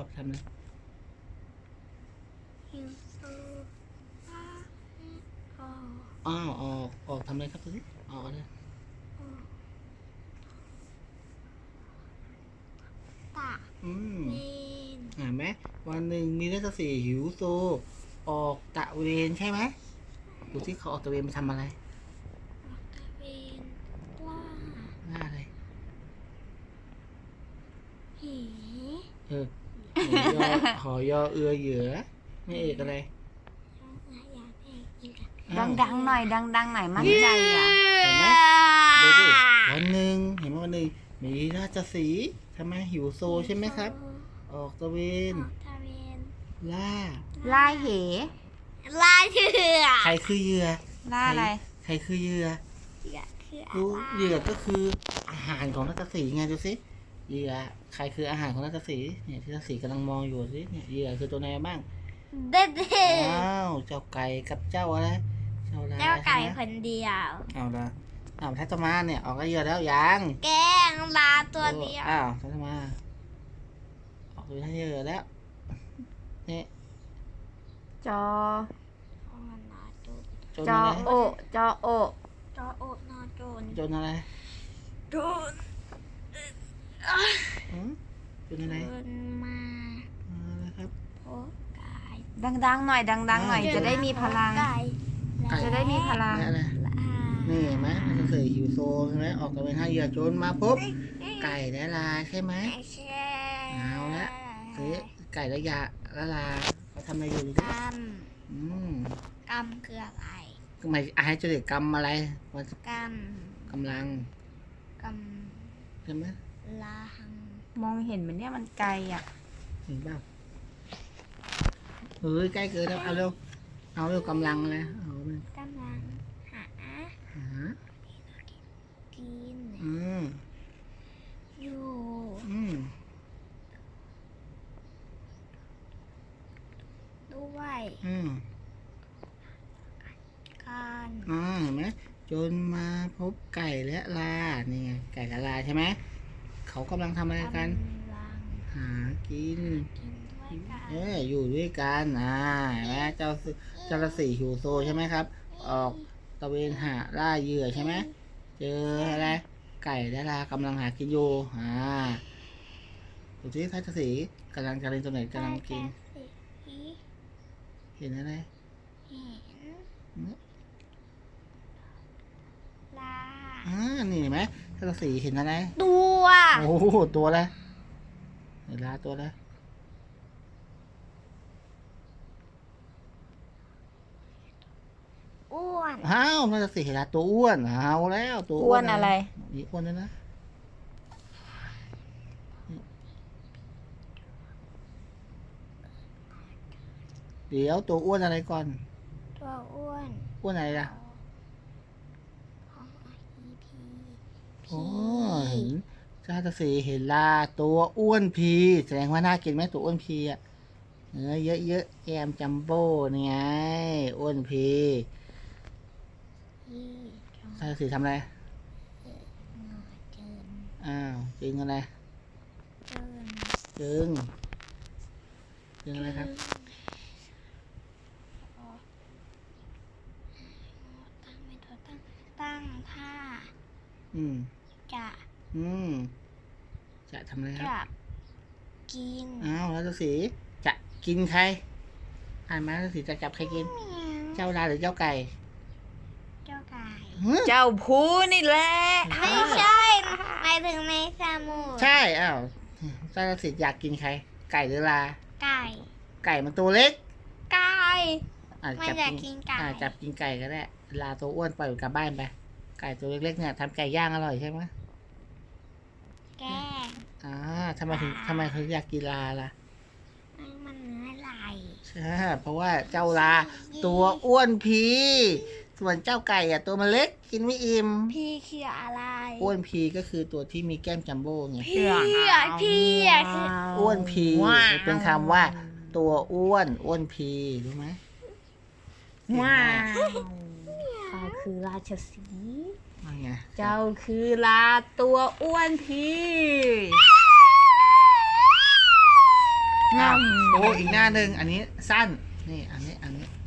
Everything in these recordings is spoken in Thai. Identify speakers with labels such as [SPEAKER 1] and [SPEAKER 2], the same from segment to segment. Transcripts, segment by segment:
[SPEAKER 1] อกทำเลยอ้าวออกทำเลยครับพี่ออกเลยเห็นไหมวันหนึ่งมีนักศึกษาหิวโซออกตะเวนใช่ไหมดูที่เขาออกตะเวนไปทำอะไรล่าอะไรหอยอเอือเหยือไม่เอกอะไร
[SPEAKER 2] ดังๆหน่อยดังๆหน่อยมั่นใจอ่ะ
[SPEAKER 1] เห็นไหมดูดิวันหนึ่งเห็นไหมวันหนึ่งมีราชสีห์ทำไมหิวโซใช่ไหมครับออกตะเวนล่า
[SPEAKER 2] เห
[SPEAKER 3] ล่าเชือ
[SPEAKER 1] ใครคือเหยื่อ
[SPEAKER 2] ล่าอะไร
[SPEAKER 1] ใครคือเหยื่อ
[SPEAKER 3] คือ
[SPEAKER 1] เหยื่อก็คืออาหารของราชสีห์ไงดูสิเหยื่อใครคืออาหารของราชสีห์เนี่ยที่ราชสีห์กำลังมองอยู่สิเนี่ยเหยื่อคือตัวไหนบ้าง
[SPEAKER 3] เด็ด
[SPEAKER 1] อ้าวเจ้าไก่กับเจ้าอะไร
[SPEAKER 3] เจ้าไก่คนเดียว
[SPEAKER 1] เอาละทัตมาเนี่ยออกก็เหยื่อแล้วยัง
[SPEAKER 3] แกงลาตัวเดียว
[SPEAKER 1] อ้าวทัตมาออกตัวเหยื่อแล้วนี่
[SPEAKER 2] จอ
[SPEAKER 1] โอ
[SPEAKER 2] นอโอน
[SPEAKER 3] อโจน
[SPEAKER 1] โจนอะไร
[SPEAKER 3] โจน
[SPEAKER 1] โจนอะไร
[SPEAKER 3] มา
[SPEAKER 1] ครับ
[SPEAKER 3] โอ้ไก่
[SPEAKER 2] ดังๆหน่อยดังๆหน่อยจะได้มีพลังจะได้มีพลัง
[SPEAKER 1] นี่เห็นไหมนักศึกษาหิวโซใช่ไหมออกตะเวนหาเหยื่อโจนมาปุ๊บไก่และลาใช่ไหมเอาละไก่และยาและลาเขาทำอะไรอยู่ดิ
[SPEAKER 3] กำคืออะไร
[SPEAKER 1] ทำไมไอ้จะเรียกกรรมอะไรกำลังใช่ไหม
[SPEAKER 3] ลาหัง
[SPEAKER 2] มองเห็นมันเนี่ยมันไกลอ่ะ
[SPEAKER 1] เห็นเปล่าเฮ้ยใกล้เกินแล้วเอาเร็วกำลังเลย
[SPEAKER 3] กำลังหากินอยู่ด้วยกัน
[SPEAKER 1] เห็นไหมจนมาพบไก่และลานี่ไงไก่กับลาใช่ไหมเขากำลังทำอะไรกันหากินอยู่ด้วยกันเห็นไหมเจ้าสีหิวโซใช่ไหมครับออกตะเวนหาล่าเหยื่อใช่ไหมเจออะไรไก่และลากำลังหากินอยู่ดูที่ท่าสีกำลังจะเล่นตัวไหนกำลังกินเห็นอะไรนี่เห็นไหมท่าสีเห็นอะไร
[SPEAKER 3] ตัว
[SPEAKER 1] โอ้โหตัวอะไรเห็นลาตัวอะไร
[SPEAKER 3] อ้วน
[SPEAKER 1] น่าจะสิเห็นลาตัวอ้วนเอาแล้วตัว
[SPEAKER 2] อ้วนอะไร
[SPEAKER 1] นี่อ้วนเลยนะเดี๋ยวตัวอ้วนอะไรก่อน
[SPEAKER 3] ตัวอ้
[SPEAKER 1] วนอะไรล่ะโอ้เห็นชาตสีเห็นลาตัวอ้วนพีแสดงว่าน่ากินไหมตัวอ้วนพีอ่ะเนื้อเยอะแกมจัมโบ้นี่ไงอ้วนพีชาตสีทำอะไรจึงอะไรจึงอะไรครับ
[SPEAKER 3] ตั้งท่า
[SPEAKER 1] จะทำอะไรครับ
[SPEAKER 3] จะกิน
[SPEAKER 1] แล้วตัวสีจะกินใครมาตัวสีจะจับใครกินเจ้าลาหรือเจ้าไก่
[SPEAKER 3] เจ้า
[SPEAKER 2] ผู้นี่แหละ
[SPEAKER 3] ไม่ใช่หมายถึงในสมุทร
[SPEAKER 1] ใช่เจ้าตัวสีอยากกินใครไก่หรือลาไก่มันตัวเล็ก
[SPEAKER 3] ไก่
[SPEAKER 1] ไม่อยากกินไก่จับกินไก่ก็ได้ลาตัวอ้วนปล่อยกลับบ้านไปไก่ตัวเล็กๆเนี่ยทำไก่ย่างอร่อยใช่ไหม
[SPEAKER 3] แก
[SPEAKER 1] ทำไมเขาอยากกินลาล่ะ
[SPEAKER 3] มันเนื้อไหล
[SPEAKER 1] ใช่เพราะว่าเจ้าลาตัวอ้วนพีส่วนเจ้าไก่ตัวมันเล็กกินไม่อิ่ม
[SPEAKER 3] พีคืออะไร
[SPEAKER 1] อ้วนพีก็คือตัวที่มีแก้มจัมโบ้ไง
[SPEAKER 3] พีคือ
[SPEAKER 1] อ้วนพีเป็นคำว่าตัวอ้วนพีรู้ไหม
[SPEAKER 2] เขาคือราชสีห์
[SPEAKER 1] ไง
[SPEAKER 2] เจ้าคือลาตัวอ้วนพีงอม
[SPEAKER 1] โอ้อีกหน้าหนึ่งอันนี้สั้นนี่อันนี้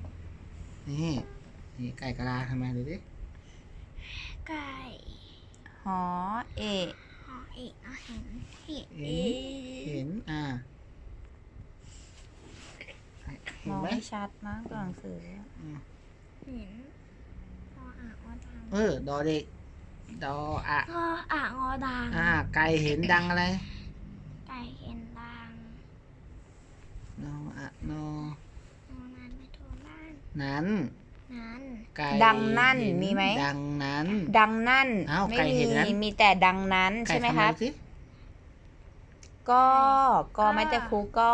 [SPEAKER 1] นี่ไก่กะลาทำไมดูดิ
[SPEAKER 3] ไก่
[SPEAKER 2] หอเอะ
[SPEAKER 3] หอเอกเอาเห็นเห็น
[SPEAKER 1] เห็นเห็
[SPEAKER 2] ม
[SPEAKER 1] น
[SPEAKER 2] อง
[SPEAKER 1] ไหม
[SPEAKER 2] ไม่ชัดมากตัวหนังสือ
[SPEAKER 3] เห็นพออ่างอดัง
[SPEAKER 1] ดอเด็กดออะ
[SPEAKER 3] พออ่างอดัง
[SPEAKER 1] ไก่เห็นดังอะไร
[SPEAKER 3] ไก่เห็นดัง
[SPEAKER 1] นออะนอน
[SPEAKER 3] อนานไม่โทรบ้าน
[SPEAKER 1] นั้น
[SPEAKER 3] นั้น
[SPEAKER 1] ไก่
[SPEAKER 2] ดังนั่น
[SPEAKER 1] เห็
[SPEAKER 2] มีไหม
[SPEAKER 1] ดังนั้น
[SPEAKER 2] ดังนั่น
[SPEAKER 1] อ้าว
[SPEAKER 2] ไม่
[SPEAKER 1] ไก่
[SPEAKER 2] มี
[SPEAKER 1] เห็นนั้น
[SPEAKER 2] มีแต่ดังนั้น
[SPEAKER 1] ไก่
[SPEAKER 2] ใช่ไหม
[SPEAKER 1] ทำ
[SPEAKER 2] ครับ
[SPEAKER 1] สิ
[SPEAKER 2] ก็ไม่แต่ครูก็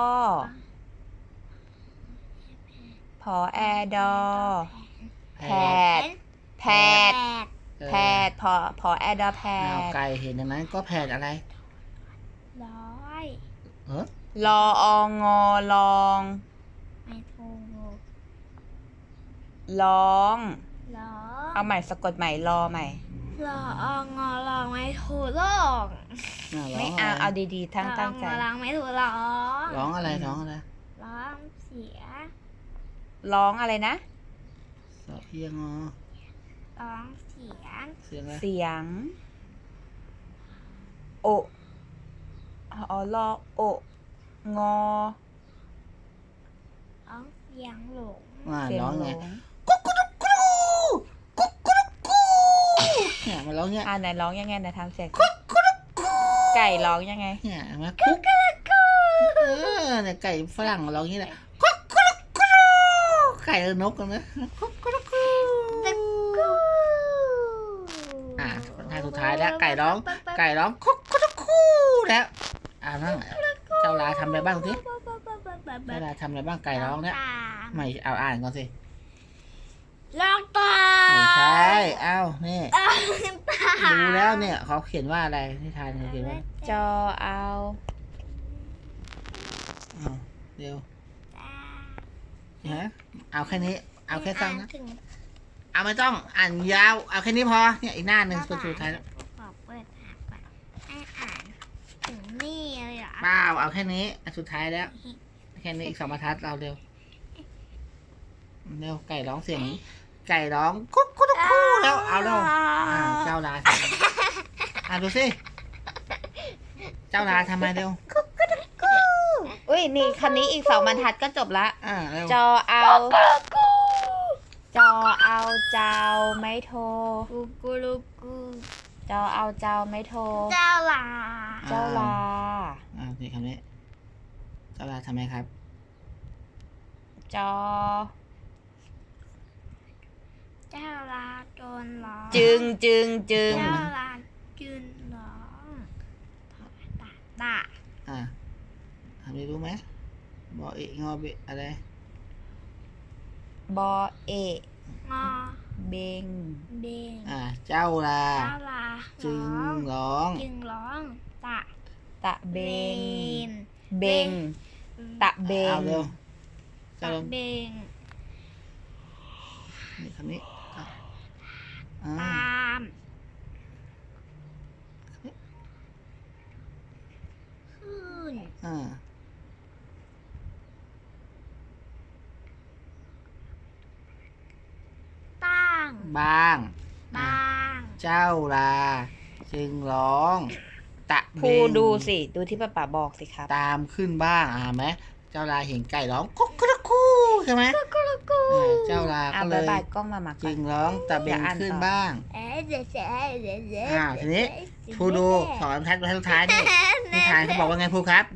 [SPEAKER 2] พอแอดอ แผดแผด
[SPEAKER 1] เออ
[SPEAKER 2] แผดพอแอดอแผ
[SPEAKER 1] อ้าว
[SPEAKER 2] ด
[SPEAKER 1] ไก่เห็นดังนั้นก็แผดอะไร
[SPEAKER 3] ร้อย
[SPEAKER 1] เออ
[SPEAKER 2] ลอองอลอง
[SPEAKER 3] ไม่ถูก
[SPEAKER 2] ร้อง
[SPEAKER 3] ร้อ
[SPEAKER 2] เอาใหม่สะกดใหม่รอใหม่
[SPEAKER 3] รอองอลองไม่ถูกร้อง
[SPEAKER 2] ไม่เอาเอาดีๆตั้งใจ
[SPEAKER 3] รอองอลองไม่ถูกร้อง
[SPEAKER 1] ร้องอะไรร้องอะไร
[SPEAKER 3] ร้องเสีย
[SPEAKER 2] ร้องอะไรนะ
[SPEAKER 1] สอเอียงอ
[SPEAKER 3] ร้องเสียง
[SPEAKER 1] เสียงอะไร
[SPEAKER 2] เสียง โอลอโองอ
[SPEAKER 3] ร้องเสียงหลง
[SPEAKER 2] เสียง
[SPEAKER 1] ร้อง
[SPEAKER 2] หล
[SPEAKER 1] ไง
[SPEAKER 2] ง
[SPEAKER 1] เนี่ยมันร้องเนี่ย
[SPEAKER 2] ไหนร้องยังไงไหนทำเสียงไก่ร้องยังไง
[SPEAKER 1] เนี่ยเห็นไหมคุกเนี่ยไก่ฝรั่งร้องอย่างนี้แหละคุกไก่นกกันนะคุกท่าสุดท้ายแล้วไก่ร้องคุกแล้วนั่งเจ้าลาทำอะไรบ้างสิเจ้าลาทำอะไรบ้างไก่ร้องเนี่ยไม่เอาอ่านก่อนสิ
[SPEAKER 3] ร้องตา
[SPEAKER 1] ไม่ใช่นี่
[SPEAKER 3] ตา
[SPEAKER 1] ดูแล้วเนี่ยเขาเขียนว่าอะไรที่ทานเขาเขียนว่า
[SPEAKER 2] จอเอา
[SPEAKER 1] เดี๋ยวฮะเอาแค่นี้เอาแค่สั้นนะ
[SPEAKER 3] ถึง
[SPEAKER 1] เอาไม่ต้องอ่านยาวเอาแค่นี้พอเนี่ยอีกหน้าหนึ่งสุดท้ายแล้ว
[SPEAKER 3] ขอเปิดหาก่อนให้อ่านถึงนี่เลยเหรอ
[SPEAKER 1] เปล่าเอาแค่นี้อันสุดท้ายแล้วแค่นี้อีก2 บรรทัดเราเร็วไก่ร้องเสียงไก่ร้องคุกแล้วเอาแล้วเจ้าลาดูสิเจ้าลาทำไมเร็ว
[SPEAKER 2] อุ้ยนี่คันนี้อีก2 บรรทัดก็จบละ
[SPEAKER 1] เร็ว
[SPEAKER 2] จอเอาเจ้าไม่โทร
[SPEAKER 3] กูกูลูกู
[SPEAKER 2] จอเอาเจ้าไม่โทร
[SPEAKER 3] เจ้าลา
[SPEAKER 2] เจ้าลา
[SPEAKER 1] นี่คำนี้เจ้าลาทำไมครับ
[SPEAKER 2] จอ
[SPEAKER 3] เจ้าลาโดนร้อง
[SPEAKER 2] จึง
[SPEAKER 3] เจ้าลาจืนร้องตา
[SPEAKER 1] ทำได้รู้ไหมบอกเองอเบอะไร
[SPEAKER 2] บอเอะ
[SPEAKER 3] งอ
[SPEAKER 2] เบง
[SPEAKER 3] เบง
[SPEAKER 1] เจ้าลา
[SPEAKER 3] เจ้าลา
[SPEAKER 1] จึงร้อง
[SPEAKER 3] จึงร้องตะ
[SPEAKER 2] ตะเบง
[SPEAKER 3] น
[SPEAKER 2] เบง ตะเบง
[SPEAKER 1] เอาเร็วเจ้า
[SPEAKER 3] ตะ
[SPEAKER 1] ลอง
[SPEAKER 3] เบง
[SPEAKER 1] นี่คำนี้
[SPEAKER 3] ตามขึ้น ตั้ง
[SPEAKER 1] บ้าง
[SPEAKER 3] บาง
[SPEAKER 1] เจ้าลา จึงร้อง ตะเบ
[SPEAKER 2] ครู
[SPEAKER 1] ง
[SPEAKER 2] ดูสิดูที่ป้าป๋าบอกสิครับ
[SPEAKER 1] ตามขึ้นบ้างไหมเจ้าลาเห็นไก่ร้องคุกใช่ไหมเจ้าลาก็เล
[SPEAKER 2] บาย
[SPEAKER 1] ย
[SPEAKER 2] บายกล้องมาหมักก่
[SPEAKER 1] จึ
[SPEAKER 2] อน
[SPEAKER 1] งร้องตะเบงขึ้นบ้าง
[SPEAKER 3] เดี๋ยว
[SPEAKER 1] ทีนี้ครูดู2 บรรทัดสุดท้ายนี่นิทานเขาบอกว่าไงครูครับ